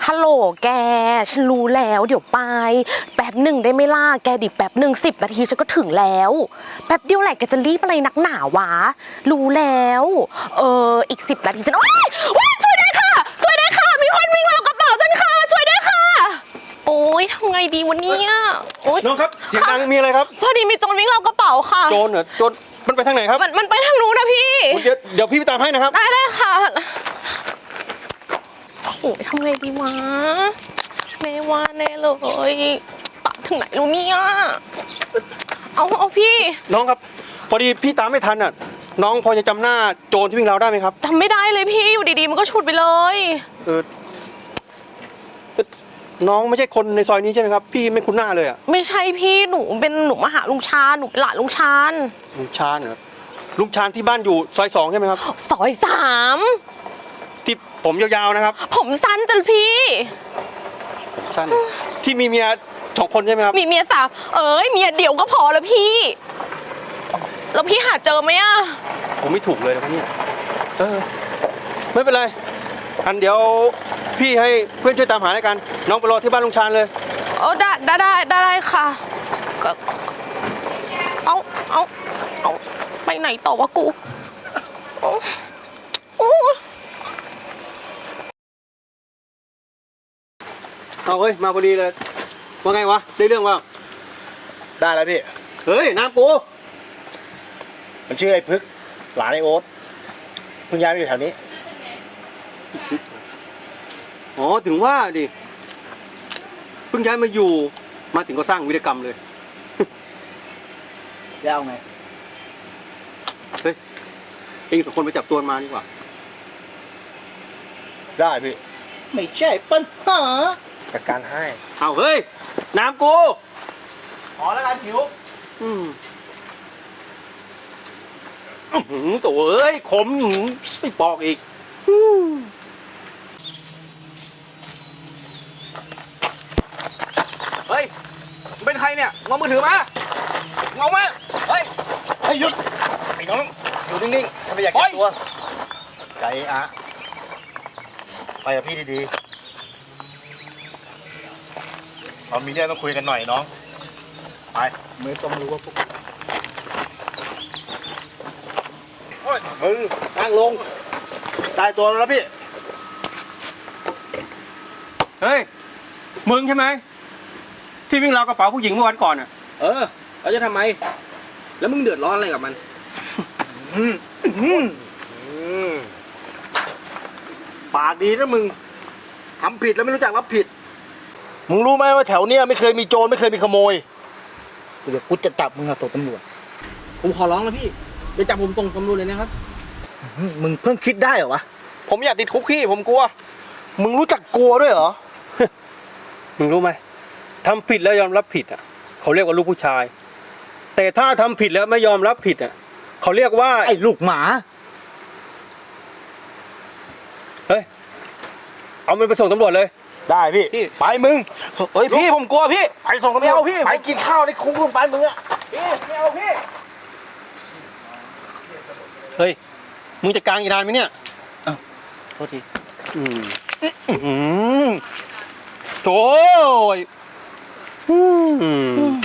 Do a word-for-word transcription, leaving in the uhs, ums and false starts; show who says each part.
Speaker 1: ฮัลโหลแกฉันรู้แล้วเดี๋ยวไปแป๊บหนึ่งได้ไหมล่ะแกดิแป๊บหนึ่งสิบนาทีฉันก็ถึงแล้วแป๊บเดียวแหละแกจะรีบอะไรนักหนาวะรู้แล้วเอออีกสิบนาทีฉันโอ๊ยโอ๊ยช่วยด้วยค่ะช่วยด้วยค่ะมีคนวิ่งราวกระเป๋าฉันค่ะช่วยด้วยค่ะโอ๊ยทำไงดีวันนี้โอ๊ย
Speaker 2: น้องครับเสียงดังมีอะไรครับ
Speaker 1: พอดีมีโจรวิ่งราวกระเป๋าค่ะ
Speaker 2: โจรเหรอโจรมันไปทางไหนครับ
Speaker 1: มันมันไปทางนู้นนะพี่
Speaker 2: เดี๋ยวเดี๋ยวพี่ไปตามให้นะครับ
Speaker 1: ได้ได้ค่ะโอ้ยทำไงดีวะไม่ว่าแน่เลยตามถึงไหนแล้วเนี่ยเอาเอาพี่
Speaker 2: น้องครับพอดีพี่ตามไม่ทันอ่ะน้องพอจะจำหน้าโจรที่วิ่งราวได้ไหมครับ
Speaker 1: จำไม่ได้เลยพี่อยู่ดีๆมันก็ฉุดไปเลย
Speaker 2: เออน้องไม่ใช่คนในซอยนี้ใช่ไหมครับพี่ไม่คุ้นหน้าเลยอ่ะ
Speaker 1: ไม่ใช่พี่หนูเป็นหนูมาหาลุงชาญหนูเป็นหลานลุงชาญ
Speaker 2: ลุงชาญเหรอลุงชาญที่บ้านอยู่ซอยสองใช่ไหมครับ
Speaker 1: ซอยสาม
Speaker 2: ที่ผมยาวๆนะครับ
Speaker 1: ผมสั้นจังพี่
Speaker 2: สั้นที่มีเมียสองคนใช่ไหมครับ
Speaker 1: มีเมียสามเอ้ยเมียเดียวก็พอแล้วพี่แล้วพี่หาเจอไหมอ่ะ
Speaker 2: ผมไม่ถูกเลยนะพี่เออไม่เป็นไรอันเดี๋ยวพี่ให้เพื่อนช่วยตามหาแล้วกันน้องไปรอที่บ้านลุงชาญเลย
Speaker 1: เออได้ได้ได้ได้ค่ะก็เอาเอาเอาไปไหนต่อวะกูโอ้โอ้
Speaker 2: เอาเฮ้ยมาพอดีเลยว่าไงวะได้เรื่องว่า
Speaker 3: ได้แล้วพี่
Speaker 2: เฮ้ยน้ำกู
Speaker 3: มันชื่อไอ้พึกหลานไอ้โอ๊ตเพิ่งย้ายมาอยู่แถวนี้
Speaker 2: อ๋อถึงว่าดิเพิ่งย้ายมาอยู่มาถึงก็สร้างวิรกรรมเลย
Speaker 3: แล้วเอาไง
Speaker 2: เฮ้ยเองกับคนไปจับตัวมาดีกว่า
Speaker 3: ได้พี่ไม่ใช่ปัญหาจัดการให้
Speaker 2: เอาเฮ้ยน้ำกู
Speaker 3: ขอแล้วกันหิว
Speaker 2: อืมหืมตัวเอ้ยขมไม่ปอกอีก
Speaker 4: เฮ้ยเป็นใครเนี่ยงอมือถือมาเงามาเฮ้ย
Speaker 3: ให้หยุดไอ้น้องอยู่นิ่งๆถ้าไม่อยากเจ็บตัวใจอะไปกับพี่ดีๆเรามีเรื่องต้องคุยกันหน่อยน้องไปไม่ต้องรู้ว่าพวกมึงนั่งลงตายตัวแล้วพี่
Speaker 2: เฮ้ยมึงใช่ไหมที่วิ่งราวกระเป๋าผู้หญิงเมื่อวันก่อนอ่ะ
Speaker 4: เออเราจะทำไมแล้วมึงเดือดร้อนอะไรกับมัน
Speaker 3: ปากดีนะมึงทำผิดแล้วไม่รู้จักรับผิดมึงรู้ไหมว่าแถวเนี้ยไม่เคยมีโจรไม่เคยมีขโมยเดี๋ยวกูจะจับมึงส่งตำรวจ
Speaker 4: ผมขอร้องแล้วพี่อย่าจับผมส่งตำรวจเลยนะครับ
Speaker 3: มึงเพิ่งคิดได้เหรอวะ
Speaker 4: ผมอยากติดคุกพี่ผมกลัว
Speaker 3: มึงรู้จักกลัวด้วยเหรอ
Speaker 2: มึงรู้ไหมทำผิดแล้วยอมรับผิดอ่ะเขาเรียกว่าลูกผู้ชายแต่ถ้าทำผิดแล้วไม่ยอมรับผิดอ่ะเขาเรียกว่า
Speaker 3: ไอ้ลูกหมา
Speaker 2: เฮ้ยเอามันไปส่งตำรวจเลย
Speaker 3: ได้พี่ไปมึง
Speaker 4: เฮ้ยพี่ผมกลัวพี่
Speaker 3: ไปส่งตำรวจพี่ไปกินข้าวในคุกลงไปมึงอะ
Speaker 4: พี่ไม่เอาพี่
Speaker 2: เฮ้ยมึงจะกลางอีกนานไหมเนี่ย
Speaker 3: อ้าวโทษที
Speaker 2: อืมอืมโถ่อืม